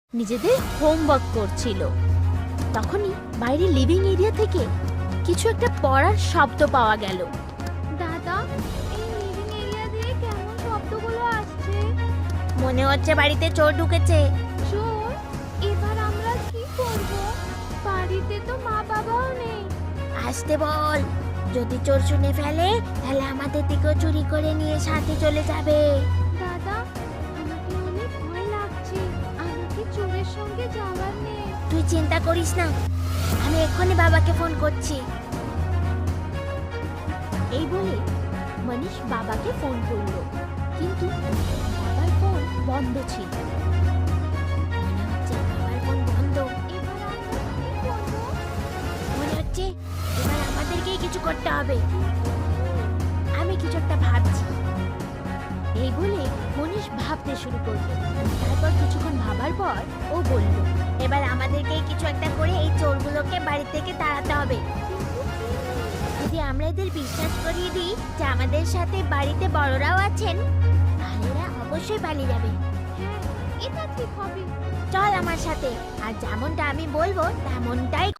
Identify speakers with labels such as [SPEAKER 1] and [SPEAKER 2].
[SPEAKER 1] নিজেদের হোমওয়ার্ক করছিল। তখনই বাইরে লিভিং এরিয়া থেকে কিছু একটা পড়ার শব্দ পাওয়া গেল।
[SPEAKER 2] দাদা, এই লিভিং এরিয়া দিয়ে কেমন শব্দগুলো আসছে?
[SPEAKER 1] মনে হচ্ছে বাড়িতে চোর ঢুকেছে।
[SPEAKER 2] চোর? এবার আমরা কি করব? বাড়িতে তো মা বাবাও নেই।
[SPEAKER 1] আসতে বল, যদি চোর শুনে ফেলে তাহলে আমাদের দিকেও চুরি করে নিয়ে সাথে চলে যাবে।
[SPEAKER 2] দাদা, আমাকে অনেক ভয় লাগছে। আমাকে চোরের সঙ্গে যাওয়ার নেই।
[SPEAKER 1] তুই চিন্তা করিস না, আমি এক্ষুনি বাবাকে ফোন করছি। এই বলে মনীষ বাবাকে ফোন করলো, কিন্তু বাবার ফোন বন্ধ ছিল। মনে হচ্ছে বাবার ফোন বন্ধ।
[SPEAKER 2] এবার আমরা কি করব?
[SPEAKER 1] মনে হচ্ছে এবার আমাদেরকেই কিছু করতে হবে। আমি কিছু একটা ভাবছি। এই বলে মনীষ ভাবতে শুরু করলো। তারপর কিছুক্ষণ ভাবার পর ও বলল, এবার আমাদেরকেই কিছু একটা করে এই চোরগুলোকে বাড়ি থেকে তাড়াতে হবে। যদি আমরা এদের বিশ্বাস করিয়ে দিই যে আমাদের সাথে বাড়িতে বড়রাও আছেন, তাহলে এরা অবশ্যই পালিয়ে যাবে।
[SPEAKER 2] হ্যাঁ, এটা ঠিক হবে।
[SPEAKER 1] চল আমার সাথে, আর যেমনটা আমি বলবো তেমনটাই